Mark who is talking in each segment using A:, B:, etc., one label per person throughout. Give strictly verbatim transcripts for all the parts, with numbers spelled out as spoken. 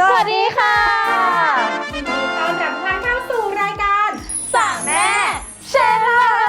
A: สวัสดีค่ะ
B: ยินดีต้อนรับท่านเข้าสู่รายการ
A: สามแม่เชล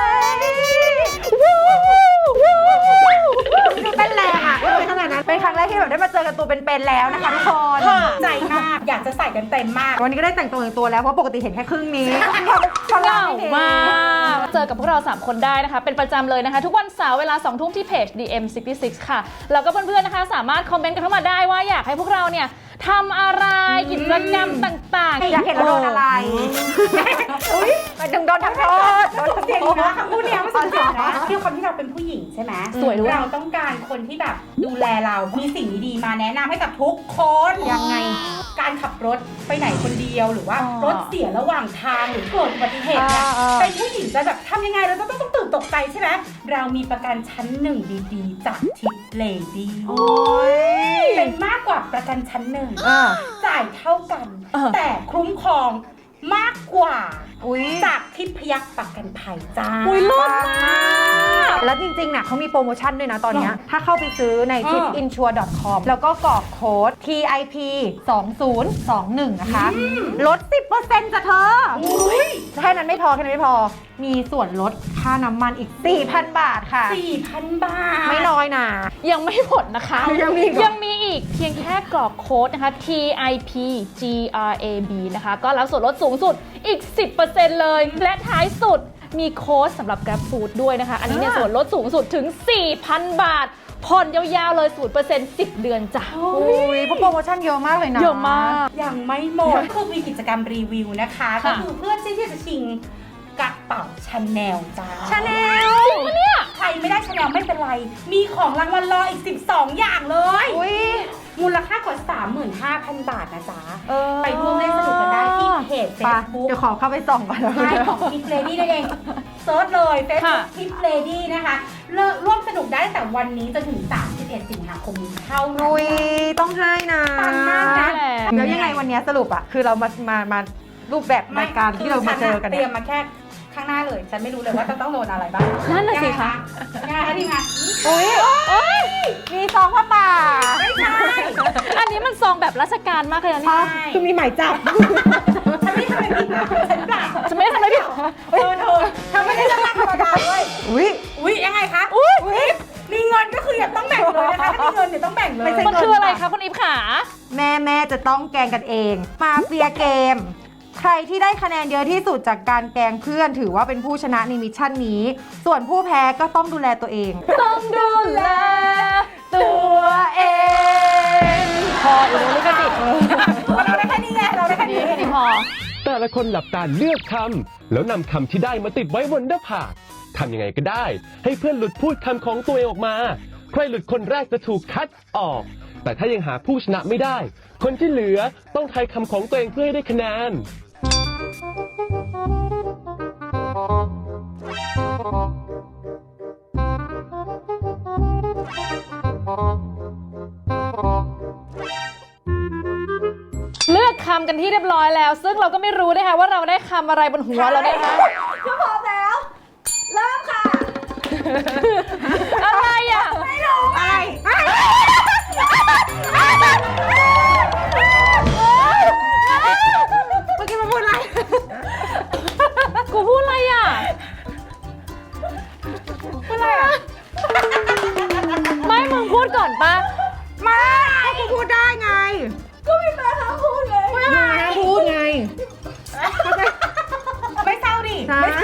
C: ดูเต้นแรงอ่ะเลยขนาดนั้นเป็นครั้งแรกที่แบบได้มาเจอกันตัวเป็นๆแล้วนะคะทุกคน
B: ใจมากอยากจะใส่กันเต็มมาก
C: วันนี้ก็ได้แต่งตัวอย่างตัวแล้วเพราะปกติเห็นแค่ครึ่งนี้
A: เหงามากเจอกับพวกเราสามคนได้นะคะเป็นประจำเลยนะคะทุกวันเสาร์เวลาสองทุ่มที่เพจ ดี เอ็ม หกสิบหก ค่ะแล้วก็เพื่อนๆนะคะสามารถคอมเมนต์กันเข้ามาได้ว่าอยากให้พวกเราเนี่ยทำอะไรกิจกรรมต่างๆ
C: อยากเห็นเราโดนอะไรอุ้ยดึงโดนทำโทษโดนทำ
B: เสียง
C: โทษ
B: นะคำพูดเนี้ยมันสำคัญนะคือคนที่เราเป็นผู้หญิงใช่ไหม
A: สวยด้วย
B: เราต้องการคนที่แบบดูแลเรามีสิ่งดีๆมาแนะนำให้กับทุกคน
C: ยังไง
B: การขับรถไปไหนคนเดียวหรือว่ารถเสียระหว่างทางหรือเกิดอุบัติเหตุเนี่ยเป็นผู้หญิงจะแบบทำยังไงเราต้องต้องตื่นตกใจใช่ไหมเรามีประกันชั้นหนึ่งดีๆจากทิปเลดี้เป็นมากกว่าประกันชั้นหนึ่งจ่ายเท่ากันแต่คุ้มครองมากกว่าจากทิพยักษ์ประกันภัยจ้า
A: อุ้ยลดมาก
C: แล้วจริงๆน่ะเขามีโปรโมชั่นด้วยนะตอนนี้ถ้าเข้าไปซื้อใน ทิปอินชัวร์ ดอท คอม แล้วก็กรอกโค้ด ที ไอ พี สองศูนย์สองหนึ่ง นะคะลด สิบเปอร์เซ็นต์ จ้ะเธอแค่นั้นไม่พอแค่นั้นไม่พอมีส่วนลดค่าน้ำมันอีก สี่พัน บาทค่ะ
B: สี่พัน บาท
C: ไม่น้อยนะ
A: ยังไม่หมดนะคะ
C: ยังมี
A: ยังมีอีกเพียงแค่กรอกโค้ดนะคะ ที ไอ พี จี อาร์ เอ บี นะคะก็รับส่วนลดสูงสุดอีก สิบเปอร์เซ็นต์ เลยและท้ายสุดมีโค้ดสำหรับ Grab Food ด้วยนะคะอันนี้เนี่ยส่วนลดสูงสุดถึง สี่พัน บาทผ่อนยาวๆเลย ศูนย์เปอร์เซ็นต์ สิบ เดือนจ้ะ
C: อุ้ยเพราะโปรโมชั่นเยอะมากเลยนะ
A: เยอะมาก
B: ยังไม่หมดคือมีกิจกรรมรีวิวนะคะก็คือเพื่อนที่จะชิงกระเป๋าชาแนลจ้า
C: ชาแนล
A: จริงปะเนี่ย
B: ใครไม่ได้ชาแนลไม่เป็นไรมีของรางวัลรออีกสิบสองอย่างเลยมูลค่ากว่า สามหมื่นห้าพัน บาทนะจ๊ะไปร่วมเล่นสนุกกันได้ที่เพจ Facebook
C: เดี๋ยวขอเข้าไปส่องก่อน
B: ใช่ของทิปเลดี้นั่นเองเซิร์ชเลยเฟซบุ๊กทิปเลดี้นะคะร่วมสนุกได้ตั้งแต่วันนี้จนถึงสามสิบเอ็ดสิงหาคมนี้เท่านั้น
C: ต้องให้นะ
B: ปังมากนะ
C: แล้วยังไงวันนี้สรุปอ่ะคือเรามามามารูปแบบรายการที่เรามาเจอกัน
B: เตรียมมาแค่ข้างหน้าเลยฉันไม่รู้เลยว่าจะต้องโดนอะไรบ้าง
A: นั่นน่ะสิคะ
B: ง่ายทีมงาน
C: อุ้ยมีซองผ้าป่า
B: ไม่ใช่
A: อันนี้มันซองแบบราชการมากเลยนะนี่
C: คือมีหมายจับ
B: ฉันไม่ทำอะไรผิดนะฉันเปล่า
A: ฉันไม่ได้ทำอะไรผิด
B: เธอเธอทำไม่ได้จะมาธรรมดาด้วย
C: อุ้ย
B: อุ้ยยังไงคะอุ้ยมีเงินก็คืออย่าต้องแบ่งเลยนะคะถ้ามีเงินเดี๋ยวต้องแบ่งเลย
A: มันคืออะไรคะคุณอีฟขา
C: แม่แม่จะต้องแกงกันเองมาเฟียเกมใครที่ได้คะแนนเยอะที่สุดจากการแกล้งเพื่อนถือว่าเป็นผู้ชนะในมิชชั่นนี้ส่วนผู้แพ้ก็ต้องดูแลตัวเอง
A: ต้องดูแลตัวเองพออีกแล้วลิขสิทธิ์
B: เราได้แค่นี้ไงเราได้แค่นี้
A: แค่นี้พอ
D: แต่ละคนหลับตาเลือกคำแล้วนำคำที่ได้มาติดไว้บนหน้าผากทำยังไงก็ได้ให้เพื่อนหลุดพูดคำของตัวเองออกมาใครหลุดคนแรกจะถูกคัดออกแต่ถ้ายังหาผู้ชนะไม่ได้คนที่เหลือต้องทายคำของตัวเองเพื่อให้ได้คะแนน
A: เลือกคำกันที่เรียบร้อยแล้วซึ่งเราก็ไม่รู้นะคะว่าเราได้คำอะไรบนหัวเรานะคะ
B: ก็พร้อมแล้วเริ่มค่ะ
A: อะไรอ่ะ
B: ไม่รู้อะไร
C: เมื่อกี้มาพูดอะไร
A: กูพูดอะไรอ่ะ
B: พูดอะไรอ่ะ
A: ไม่มึงพูดก่อนปะ
C: ไม่ก็กูพูดได้ไง
B: ก็มีแฟนเขาพูดเลย
C: มึงห้ามพูดไง
B: ไม่เศร้าดิ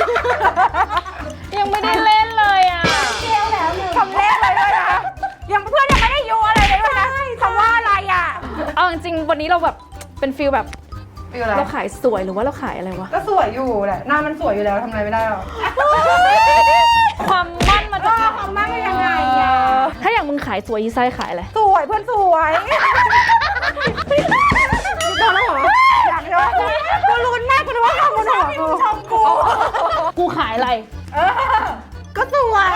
A: ยังไม่ได้เล่นเลยอ่ะ
B: เกี่ยวแล้วหนึ่ง
C: คำเล่นเลยด้วยนะยังเพื่อนยังไม่ได้ยูอะไรเลยด้วยนะคำว่าอะไรอ่ะ
A: เอาจริงๆวันนี้เราแบบเป็นฟิลแบบเราขายสวยหรือว่าเราขายอะไรวะ
C: ก็สวยอยู่แหละหน้ามันสวยอยู่แล้วทำอะไรไม่ได้หรอก
A: ความมั่นมาจาก
B: ความมั่นเป็นยังไงอ่ะ
A: ถ้าอย่างมึงขายสวยยีไซขายอะไร
C: สวยเพื่อนสวยโดนแล้วเหรออยากโดนกูลุ้นมากกูรู้ว่าทำกูหนกู
B: ชมกู
A: กูขายอะไร
C: ก็สวย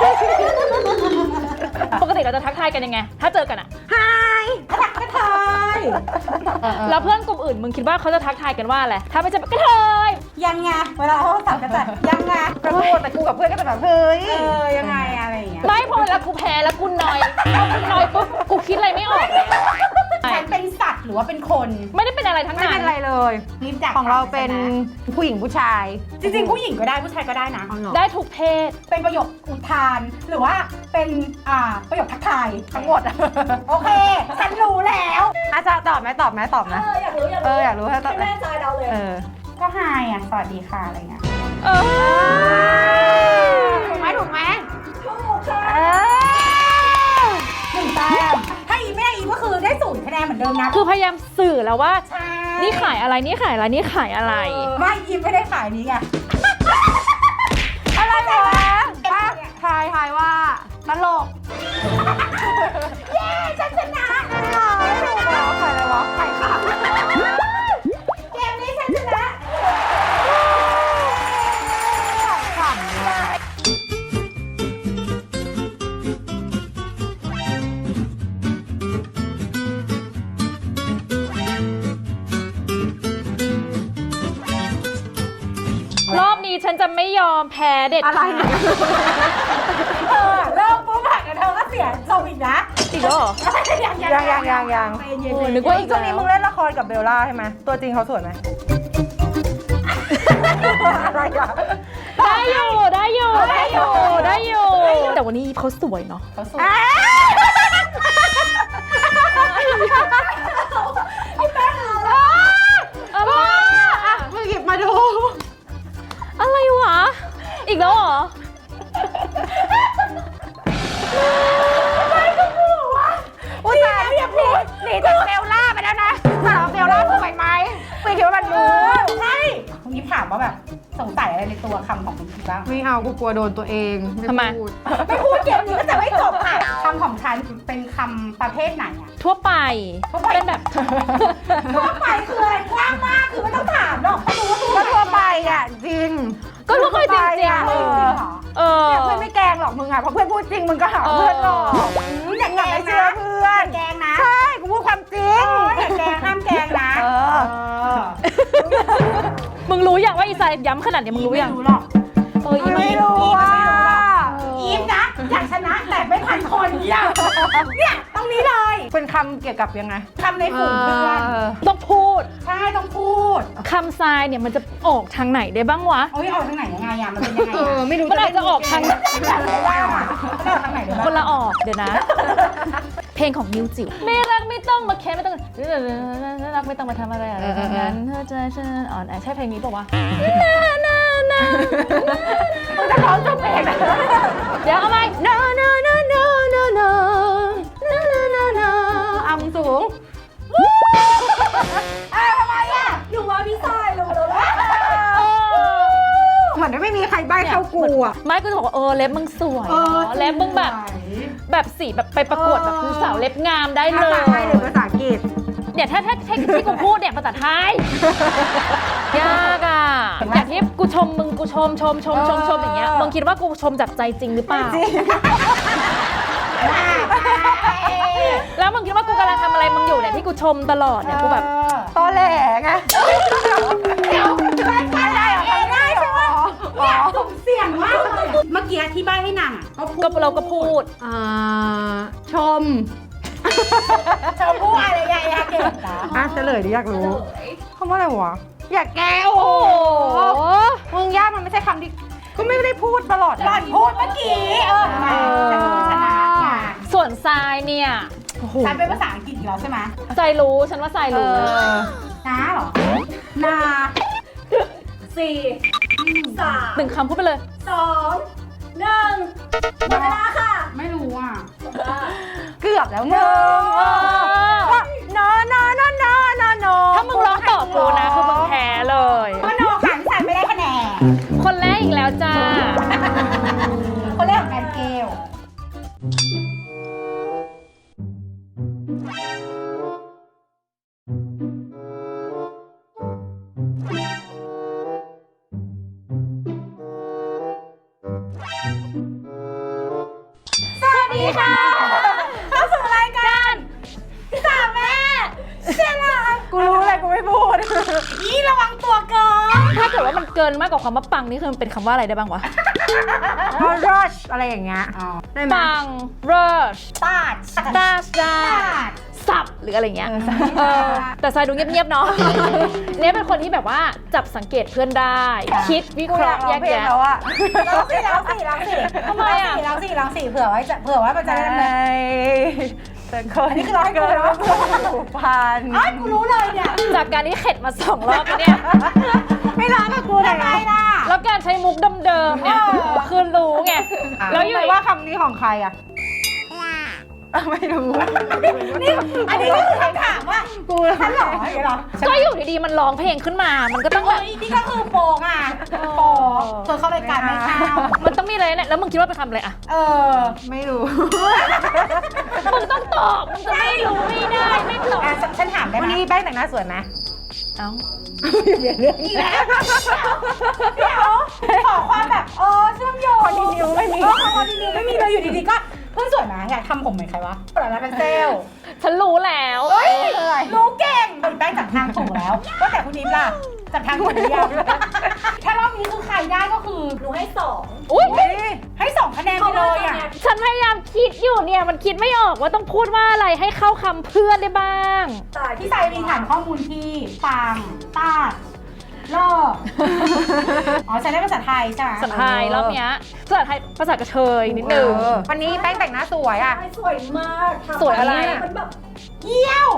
A: ปกติเราจะทักทายกันยังไงถ้าเจอกันอะ
C: ฮาย
B: ทักกระเทย
A: แล้วเพื่อนกลุ่มอื่นมึงคิดว่าเขาจะทักทายกันว่าอะไรถ้าไม่ใช่กระเทย
B: ยังไงเวลาเขาสั่งกันแต่ยังไง
C: กระโดดแต่กูกับเพื่อนก็จะแบบเฮ้ย
B: เออยังไงอะไรอย่างเงี้ย
A: ไม่พอเวลากูแพ้แล้วกูนอยพอกูนอยปุ๊บกูคิดอะไรไม่ออกแล้ว
B: ฉันเป็นสัตว์หรือว่าเป็นคน
A: ไม่ได้เป็นอะไรทั้ง
C: ไม่
A: นั้
C: เป็น นไรเลย
B: รีบจาก
C: ของเราเป็นผู้หญิงผู้ชาย
B: จริงๆผู้หญิงก็ได้ผู้ชายก็ได้นะ
C: เอาเหรอ
A: ได้ทุกเพศ
B: เป็นประโยคอุทานหรือว่าเป็นอ่าประโยคทักทายทั้งหมด โอเค ฉันรู้แล้ว
C: อาจารย์ตอบไหมตอบไหมตอบไหม
B: เอออยากรู้อยาก
C: เอ
B: รู้
C: ออยากรู้ให้ตอบ
B: ให้แม่จอยเราเลย
C: เออ
B: ก็ไฮอ่ะสวัสดีค่ะอะไรเงี้ย
A: เออ
C: ถูกไหมถูกไหม
B: ถูกค่ะ
C: เออ
B: หนึ่งแต้มถ้าอีไม่ได้อีก็คือได้ศูนย์คะแนนเหมือนเดิมนะ
A: คือพยายามสื่อแล้วว่า
B: ใช่
A: นี่ขายอะไร นี่ขายอะไร นี่ขายอะไร
B: เออไม่อีไม่ได้ขายนี้ไง
C: อะไรวะอ่ะทายทายว่าตลก
B: เย้ฉันชนะ
C: ไม่ถูกแล้วใครเลยวะใครค่ะ
B: เกมนี้ฉันชนะ
C: ขำเลย
A: รอบนี้ฉันจะไม่ยอมแพ้เด็ด
C: อะไร
A: ขาด
C: เนี่ย
B: เออเริ่มปุ๊บผ่านกันเธอก็เสียส่งอีกนะ
A: อีกแล้วเหรอ
B: ยัง
C: ยังยังยังยัง
B: ใจเย็น
A: โอ้
B: ๆ
A: นึกว่าอีก
C: ช่วงนี้มึงเล่นละครกับเบลล่าใช่ไหมตัวจริงเขาสวยไหม อะไรอ่ะ
A: ได้อยู่ได้อยู่ได้อยู่ได้อยู่ แต่วันนี้เขาสวยเนาะ
B: เขาสวย
C: อ่ะ
A: อะไร
C: อ่ะมึงหยิบมาดู
A: อะไรวะ อีกแล้วเหรอ
C: อุ้ยตายอย่าพูดหนีจากเบลล่าไปแล้วนะถามว่าเบลล่าสวยไหมไม่คิดว่ามัน
B: เอ
C: รู้
B: อใช่คุณนี้ถามว่าแบบสงสัยอะไรในตัวคำของคุณคิดบ้าง
C: ไม่เอากูกลัวโดนตัวเอง
A: ทำไม
C: พูด
B: ไม่พูดเกมนี้ก็จะไม่จบค่ะคำของฉันเป็นคำประเภทไหนอะ
A: ทั่วไป
B: ทั่วไป
A: เป็นแบบ
B: ทั่วไปคืออะไรกว้างมากคือไม่ต้องถามหรอกเขารู้ว่าทั่ว
C: ก็ทั่วไปอ่ะจริง
A: ก็ทั่วไปจริงๆ
C: อ่ะ
A: เอ
B: จริง
A: อ
B: เหรอ
A: เออ
C: เนี่ยเพื่อนไม่แกล้งหรอกมึงอ่ะเพราะเพื่อนพูดจริงมึงก็หาเพื่อนหรอก
B: อืมอย่า
C: อย่า
B: แก
C: ไป
B: ล้ง
C: เชื่อ
B: นะ
C: เพื่อน
B: แกล้งนะ
C: ใช่กูพูดความจริง
B: เอออย่าแกล้งห้ามแกล้งนะ
C: เออ
B: เออ
A: มึงรู้อย่างว่าอีสายย้ำขนาดนี้มึงรู้อย่าง
B: ไม่รู้หรอก
A: เอออี
C: ไม่รู้อ่ะ
B: อีฟนะอยากชนะแต่ไม่ทันคนเนี่ยเนี่ยตรงนี้เลย
C: เป็นคำเกี่ยวกับยังไง
B: คำในฝูงเพื่อน
A: ต้องพูด
B: ใช่ต้องพูด
A: คำทรายเนี่ยมันจะออกทางไหนได้บ้างวะ
B: โอ้ยเอาทางไหนยังไงอะมันเป็นยังไง
C: เออ
B: อะ
C: ไม่รู้
A: มันอาจจะออกทาง
B: อยากรู้ว่าอะมันออกทางไหนได้บ้าง
A: คนละออกเดี๋ยวนะ เพลงของนิวจิ๋วไม่รักไม่ต้องมาแค้นไม่ต้องรักไม่ต้องมาทำอะไรอะไรทั้งนั้นเธอใจฉันอ่อนแอใช่เพลงนี้ป่าวะนานานา
C: มึงจะร้องจบเองนะ
A: เดี๋ยวเอาไหม
C: no no no no no no no no no no อ่ะมึงสูง
B: อ้าวทำไมอะหนูว่าพี่ชายรู้แล้วว่า
C: เหมือนไม่มีใครใบ้เท่ากูอ่ะ
A: ไม่ก็จะบอกว่าเออเล็บมึงสวยเนอะเล็บมึงแบบแบบสีแบบไปประกวดแบบคือสาวเล็บงามได้เล
C: ภาย ษาไทยหรือภาษาอังกฤษ
A: เนี่ยถ้าถ้าถ้าที่กูพูดเนี่ยภาษาไทยยากอ่ะอย่างที่กูชมมึงกูชมชมชมชมชมอย่างเงี้ยมึงคิดว่ากูชมจากใจจริงหรือเปล่า
C: จริง
A: แล้วมึงคิดว่ากูกำลังทำอะไรมึงอยู่เนี่ยที่กูชมตลอดเนี่ยกูแบบ
C: ตอแหลไง
B: เดี๋ยวได้ได้ได้ได้ใช่ไหมเนี่ยสุ่มเสี่ยงมากเลยอะเมื่อกี้ที่ใบให้นางอ่ะก็พูด
A: ก็เราก็พูด
C: อ่าชม
B: เธอพูดอะไรยังไงเก่งนะ
C: อ่ะเฉลยดิอยากรู้คำว่าอะไรวะ อยากแก้วโอ้
A: โอ้โห
C: มึงยากมันไม่ใช่คำที่ก็ไม่ได้พูดตลอด
B: หล่อนพูดเมื่อกี้เออมาฉันเป็นคนชนะไง
A: ส่วนทรายเนี่ยโอ้โห
B: ฉันเป็นภาษาอังกฤษอีกแล้วใช่ไหม
A: ทรายรู้ฉันว่าทราย
C: เอ
A: รู้
C: อ
B: น้าเหรอ นาสี่สาม
A: หนึ่งคำพูดไปเลย
B: สองหนึ่งหมดเวลาค่ะ ไม่รู้อ่ะ
C: เกือบแล้วมึงก็นอนอนอนอนอนอ
A: ถ้ามึงร้องต่อกูนะคือมึงแพ้เลย
B: เพราะโนขันฉันไม่ได้คะแนน
A: คนแรกอีกแล้วจ้า
B: คนแรกของแอนเกล
A: สวัสดีค่ะเข้าสู่รายการสามแม่เชื่อละ
C: กูรู้อะไรกูไม่พูด
B: นี่ระวังตัวเกิน
A: ถ้าเกิดว่ามันเกินมากกว่าคำว่าปังนี่คือมันเป็นคำว่าอะไรได้บ้างวะ
C: พอ rush อะไรอย่างเงี้ย
B: อ๋อ
C: ได้ไหม
A: ปัง rush
B: ตาด
A: ดาดาสับหรืออะไรเงี้ยเออแต่ทรายดูเงียบๆเนาะ เนี่ยเป็นคนที่แบบว่าจับสังเกตเพื่อนได้ คิดวิเคราะห์แยกแยะ
C: แล้วอะ
B: ร้องสิร้องสิร้องสิ
A: ทำไมอะ
B: ร้องสิร้องสิเผื่อไว้จะเผื่อว่ามันจะได้ไหม
C: แต่คน
B: อันนี้คือร้องให้กูเลยว่า
C: ผูกพัน
B: อ้าวกูรู้เลยเนี่ย
A: จากการที่เข็ดมาสองรอบแล้วเนี่ย
C: ไม่ร้องกับกูเลย
B: ทำไมล่ะ
A: แล้วการใช้มุกเดิมๆเนี่ยคือรู้ไง แล้วอยู่
C: ว่าคำนี้ของใครอะไม่รู้
B: นี่อันนี้ก็คือคำถามว่า
C: กู
B: ฉันเหรออย่างเงี้ยเหรอ
A: ก็อยู่ดีๆมันร้องเพลงขึ้นมา มันก็ต้องแบ
B: เฮ้
A: บ
B: ยนี่ก็คือโปงอ่ะโปงเธอเข้ารายการไม่เข้า
A: มันต้องมีอะไรเนี่ยแล้วมึงคิดว่าเป็นคำอะไรอะ
B: เออ
C: ไม่รู้
A: มึงต้องตอบ มึงจะไม่รู้ไม่ได้ไม่ตอบ
B: อ่ะฉันฉันถามได้
C: วัน
B: ไหม
C: นี้แป้งแต่งหน้าสวยไหม
A: เอ้า
C: เปลี่ยนเรื่อง
B: อีกแล้วเดี๋ยวขอความแบบเออเชื่อมโยง
C: คอนดินิวไม่มี
B: เออคอนดินิวไม่มีเลยอยู่ดีๆก็เพิ่งสวยนะอยากทำผมเหมือนใครวะเปิดร้านเป็นเซลล์
A: ฉันรู้แล้ว
B: เฮ้ยรู้เก่งเป็นแป้งจับทางถูกแล้วก็แต่คุณนิมล่ะจับทางถูกหรือยังถ้ารอบนี้คือใครได้ก็คือ
E: หนูให้สอง
A: อุ้ย
B: ให้สองคะแนนไปเลยอ่ะ
A: ฉันพยายามคิดอยู่เนี่ย มันคิดไม่ออกว่าต้องพูดว่าอะไรให้เข้าคำเพื่อนได้บ้าง
E: ตาย
B: พี่สายมีฐานข้อมูลที่ปังตาดเลิกอ๋อใช้ได้ภาษาไทยใช่ไหม
A: ภาษาไทยรอบเนี้ยภาษาไทยภาษากระเทยนิดนึง
C: เออวันนี้แป้งแต่งหน้าสวยอ่ะ
E: สวยมากทำ
A: สวยอะไร
E: มันแบบ
B: เยี่ยว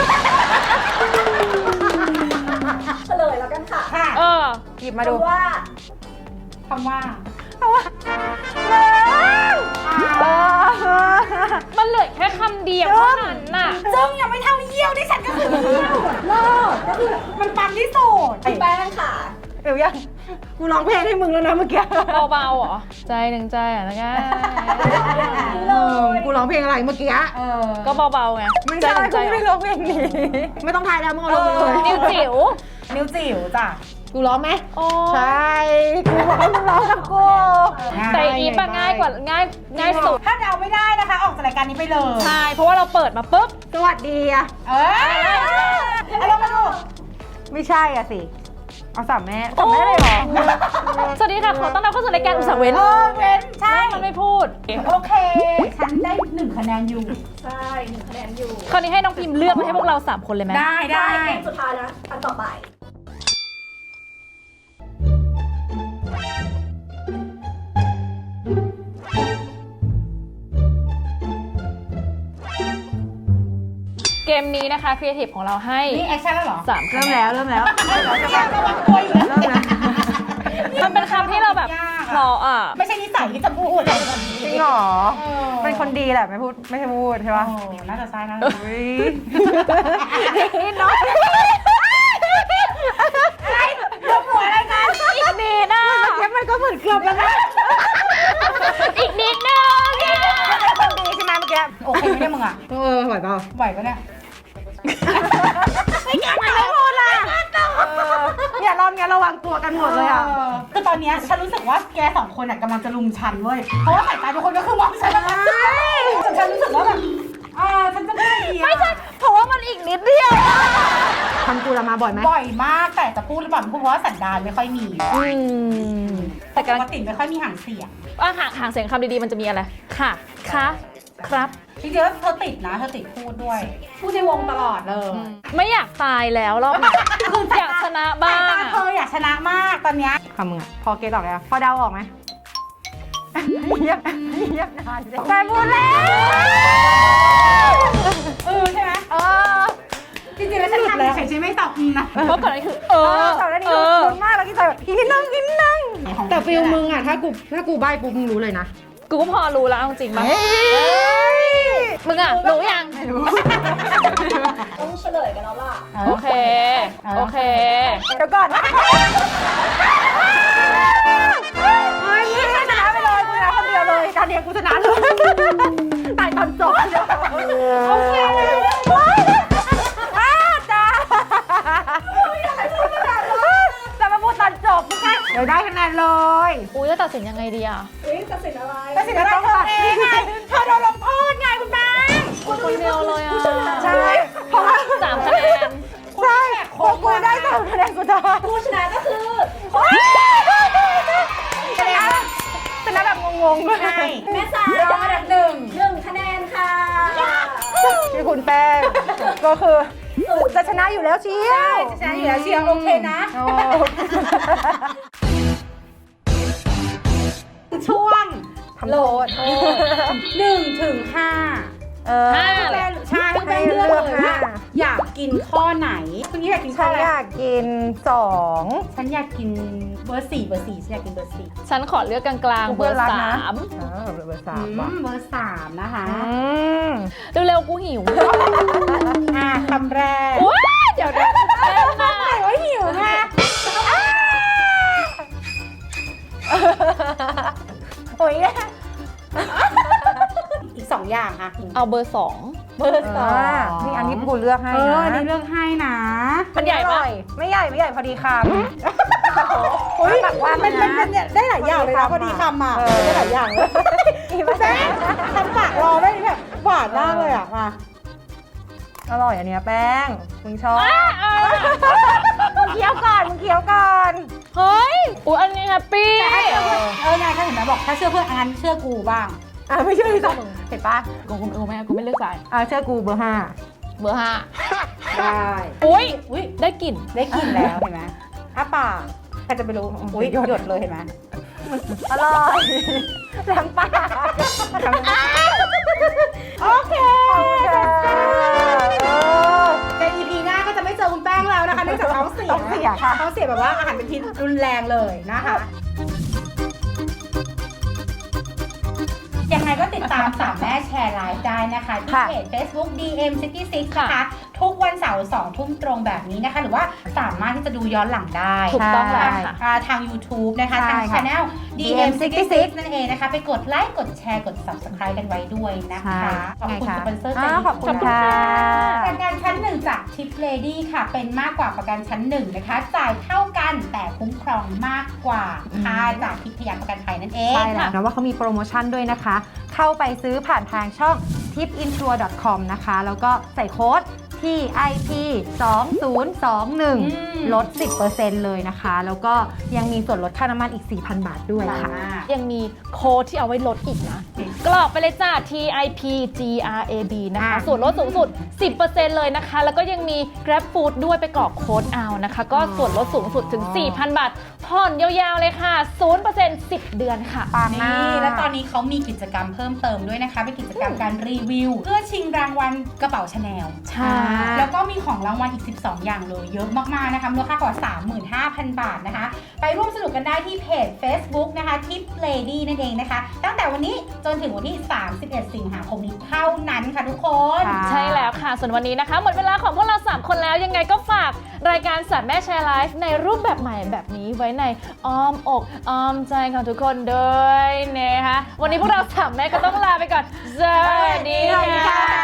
E: เฉลยแล้วกันค่ะ
B: ค่ะ
A: เออ
C: หยิบมาดู
E: คำว่า
B: คำว่า
A: มันเหลือแค่คำเดียวเท่านั้นน่ะ
B: จึงยังไม่เท่าเยี่ยวที่ฉันก็คือเยี่ยวเลิกก็คือมันปังที่สุด
E: พี่แป้งค่ะ
C: เดี๋ยวยังกูร้องเพลงให้มึงแล้วนะเมื่อกี้
A: เบาๆเหรอ ใจหนึ่งใจอ่ะนะง่าย
C: เออกูร้องเพลงอะไรเมื่อกี้
B: เออ
A: ก็เบาๆไง
C: ไม่
A: ใจ
C: ใช่
A: หนึ่งใจ
C: กูไม่ร้องเพลงนี้ ไม่ต้องทายแล้วมึงเอาลงไปเลย
A: นิวจิ๋ว
B: นิ้วจิ๋วจ้ะ
C: กูร้องไหม
A: โอ้
C: ใช่ กูบอกให้มึงร้องกับกู
A: แต่อีฟอะง่ายกว่าง่ายง่ายสุด
B: ถ้าเดาไม่ได้นะคะ ออกจากรายการนี้ไปเลย
A: ใช่ เพราะว่าเราเปิดมาปุ๊บ
C: สวัสดีอะ
B: เออเอาลองมาดู
C: ไม่ใช่อะสิ เอาสามแม่สามแม่เลยเหรอ
A: สวัสดีค่ะ ขอต้อนรับเข้าสู่รายการอุตสาหเว้น
B: เออเว้นใช่
A: มันไม่พูด
B: โอเค ฉันได้หนึ่งคะแนนอยู่
E: ใช่หนึ่งคะแนนอยู่
A: คราวนี้ให้น้องพิมพ์เลือกมาให้พวกเราสามคนเลยไหม
B: ได้ได้
E: เกมสุดท้ายนะ อันต่อไป
A: เกมนี้นะคะครีเอทีฟของเราให้
B: นี่แอคชั่นแล้วเหรอ
A: สาม
C: เริ่มแล้วเริ่มแล้ว
B: เนี่ยระวังตัวอยู่นะ
C: เริ่มแล้ว
A: มันเป็นคำที่เราแบบ
B: ยากอะ
A: เพราะอ่ะ
B: ไม่ใช่นิสัยที่จะพูดเลย
C: จริงเหรอ
B: เออ
C: เป็นคนดีแหละไม่พูดไม่ใช่พูดใช่
B: โอ้
C: ปะ
B: น่าจะใช่นะ
C: อุ้ยนิดน้อย
B: ยกหัวอะไรกัน
A: อีกนิดอ่ะ
C: เมื่อกี้มันก็เหมือนเกือบแล้วนะ
A: อีกนิดนึง
C: คนดีใช่ไหมเมื่อกี้
B: โอเคไม่ได้มึงอ่ะ
C: เออไหวเปล่า
B: ไหวปะเนี่ย
C: ไม่แกไม่พูดล่ะอย่ารอบนี้ระวังตัวกันหมดเลยอ่ะ
B: ออคือตอนเนี้ยฉันรู้สึกว่าแกสองคนอ่ะกำลังจะลุมฉันเว้ย เพราะว่าสายตาทุกคนก็คือมองฉันแล้วนะจนฉันรู้สึกว่าแบบอ่าฉันจะไม่ดีอะ
A: ไม่ใช่เพราะว่ามันอีกนิดเดียว
C: ทำกูละมาบ่อยไหม
B: บ่อยมากแต่จะพูดหรือเปล่าไม่พูดเพราะว่าสันดานไม่ค่อยมี
A: อืมแต่
B: ป
A: กำลัง
B: กติไม่ค่อยมีหางเสียง
A: ว่าหางหางเสียงคำดีๆมันจะมีอะไร ค่ะ คะ ครับ
B: จริงๆแล้วเธอติดนะเธอติดพูดด้วย พูดในวงตลอดเลย
A: ไม่อยากตายแล้วรอบนี้อยากชนะบ้า
B: สาย
A: ง
B: ตาเธออยากชนะมากตอนเนี้ย
C: คำมึงอะพอเก็ตออกแล้วพอเดาออกไหมเงียบเงียบนานเลยแต่พูดแล้ว
B: เออใช่ไหม
C: เออ
B: จริงๆแล้วฉันทำเฉยๆไม่ตอบนะ
A: เพราะก่อนอันนี้คือ เอ
C: เอ
A: อ
C: อแต่แล้วนี่
A: เออ
C: คุ้นมากแล้วที่ใส่แบบอีกนิดนึงอีกนิดนึงแต่ฟิลมึงอะถ้ากูถ้ากูใบ้ปุ๊บมึงรู้เลยนะ
A: กูก็พอรู้แล้วเอาจริงปะมึงอ่ะ รู้ยัง
C: ไม่รู้
E: ต้องเฉลยกันแล้วล่ะ
A: โอเค โอเค
C: เดี๋ยวก่อนเฮ้ยมึงชนะไปเลยกูชนะคนเดียวเลยการเรียนกูชนะเลยตายตอนจบเดียวโอเคอ้าจ้าจะมาพูดตอนจบไม่ใช่เดี๋ยวได้คะแนนเลย
A: อุ้ยจะตัดสินยังไงดีอ่ะ
E: เฮ้ยตัดสินอะไร
B: แต่สิ่งที่ต้องตัดเองไงเธอโดนลงโทษไงคุณแม่
A: คนเดียวเลยอ่ะ
C: ใช่เพราะว่า
A: สามคะแนน
C: ใช่เพราะกูได้สามคะแนนสุดท้าย
E: ผู้ชนะก็คือ
C: ชนะงง
B: ใช่แม่สายได้อันดับหนึ่ง
E: หนึ่งคะแนนค่ะ
C: ที่คุณแป้งก็คือจะชนะอยู่แล้วเชียว
B: จะชนะอยู่แล้วเชียร์โอเคนะ
C: โอ้
B: ช่วง
C: ทำโทษ
B: หนึ่งถึงห้า
C: เออ
A: ห้า
B: ให้แป้งใช่ให้แป้งเลือกเลยว่าอยากกินข้อไหนคุณนี่อยากกินข้
C: ฉั
B: อน อะไร
C: อยากกินสอง
B: ฉันอยากกินเบอร์สี่เบอร์สี่ฉันอยากกินเบอร์สี่
A: ฉันขอเลือกกลางๆเบอร์สาม
C: เออเบอร์สา
B: อื
C: ม
B: ม
C: ว่ะ
B: เบอร์สามนะคะ
C: อืม
A: เร็วๆกูหิว
B: อ่ะคำแรก
A: ว้าเดี๋ยวเดี๋ยวเล่นมา
B: ไหนว่าหิวไง
C: โอ้ย
B: อีกสองอย่างอ่ะ
A: เอาเบอร์สอง
B: เบอร์สอง
C: นี่อันนี้กูเลือกให้
B: เออ
C: นะ
B: อันนี้เลือกให้นะ
A: มันใหญ่
C: อ
A: ปะ
C: ร่อยไม่ใหญ่ไม่ใหญ่พอดีคำ
B: โอ้ย
C: แบบว่า
B: มันเป็นเป็นเนี่ยได้หลายอย่างเลยนะพอดีคำอ่ะ
C: เออ
B: ได้หลายอย่างเลย
C: อีบ้า
B: แป้งทำปากรอได้แบบหวานมากเลยอ่ะมา
C: อร่อยอันเนี้ยแป้งมึงชอบมึงเคี้ยวก่อนมึงเคี้ยวก่อน
A: เฮ้ยอุ้ยอันนี้แฮปปี้
B: แต่ถ้าเชื่อเพื่อนเออนายถ้าเห็นไหมบอกถ้าเชื่อเพื่อนอันเชื่อกูบ้าง
C: อ่ะไม่เชื่อดิจ้ะเห็นปะ
A: กูกูกูไม่กูไม่เลือกสาย
C: อ่ะเชื่อกูเบอร์ห้า
A: เบอร์ห้า
B: ได้
A: อุ้ย
B: อุ้ย
A: ได้กลิ่น
B: ได้กลิ่นแล้วเห็นไหมอ้าปากใครจะไปรู้อุ้ยหยดเลยเห็นไหม
C: อร่อยแหลมปาก
B: โอเค
C: เออ
B: ใน อี พี หน้าก็จะไม่เจอคุณแป้งแล้วนะคะเนื่องจากท้องเสีย
C: ท้องเสียค่ะ
B: ท้องเสียแบบว่าอาหารเป็นพิษรุนแรงเลยนะคะ ยังไงก็ติดตามสามแม่แชร์ไลฟ์ได้นะคะ ที่
C: ค่ะ
B: เพจ Facebook ดี เอ็ม ซิตี้ซิกซ์
A: ค่ะ
B: นะคะ ทุกวันเสาร์สองทุ่มตรงแบบนี้นะคะ หรือว่าสามารถที่จะดูย้อนหลังได้
A: ถูกต้องแล้วค่ะ
B: อ่าทาง YouTube นะคะ
C: ใช่
B: ทาง
C: ค่ะ
B: Channel ดี เอ็ม ซิตี้ซิกซ์ นั่นเองนะคะ ไปกดไลค์ กดแชร์ กด Subscribe กันไว้ด้วยนะคะ ขอบคุณสปอนเซอร์ใจ
C: อ่า
B: ดี
C: ขอบคุณค่ะ
B: ประกันชั้นหนึ่งจากทิปเลดี้ค่ะ เป็นมากกว่าประกันชั้นหนึ่งนะคะ จ่ายเท่ากันแต่คุ้มครองมากกว่าค่าจากทิพยประกันภัยนั่นเอง
C: ใช่แล้วนะว่าเขามีโปรโมชั่นด้วยนะคะ เข้าไปซื้อผ่านทางช่อง ทิปอินชัวร์ ดอท คอม นะคะ แล้วก็ใส่โค้ด ที ไอ พี สองศูนย์สองหนึ่ง
B: อืม
C: ลด สิบเปอร์เซ็นต์ เลยนะคะ แล้วก็ยังมีส่วนลดค่าน้ำมันอีก สี่พัน บาทด้วยค่ะ
A: ยังมีโค้ดที่เอาไว้ลดอีกนะ กรอกไปเลยจ้า ที ไอ พี จี อาร์ เอ บี นะคะ
C: อ่ะ
A: ส่วนลดสูงสุด สิบเปอร์เซ็นต์ เลยนะคะ แล้วก็ยังมี Grab Food ด้วยไปกรอกโค้ดเอานะคะ ก็ส่วนลดสูงสุดถึง สี่พัน บาท ผ่อนยาวๆเลยค่ะ ศูนย์เปอร์เซ็นต์ สิบ เดือนค่ะ
C: ปังมา
B: นี่
C: ก
B: และตอนนี้เขามีกิจกรรมเพิ่มเติมด้วยนะคะ เป็นกิจกรรมการรีวิว เพื่อชิงรางวัลกระเป๋าชาแนล
A: ใช่
B: แล้วก็มีของรางวัลอีก สิบสอง อย่างเลย เยอะมากๆนะคะมูลค่ากว่า สามหมื่นห้าพัน บาทนะคะ ไปร่วมสนุกกันได้ที่เพจ Facebook นะคะ Tip Lady นั่นเองนะคะ ตั้งแต่วันนี้จนถึงวันที่ สามสิบเอ็ด สิงหาคมนี้เท่านั้นค่ะทุกคน
C: ค่ะ
A: ใช่แล้วค่ะ ส่วนวันนี้นะคะ หมดเวลาของพวกเรา สาม คนแล้ว ยังไงก็ฝากรายการสัตว์แม่แชร์ไลฟ์ในรูปแบบใหม่แบบนี้ไว้ในอ้อมอกอ้อมใจของทุกคนด้วยนะคะ วันนี้พวกเราสามแม่ก็ต้องลาไปก่อน สวัสดีค่ะ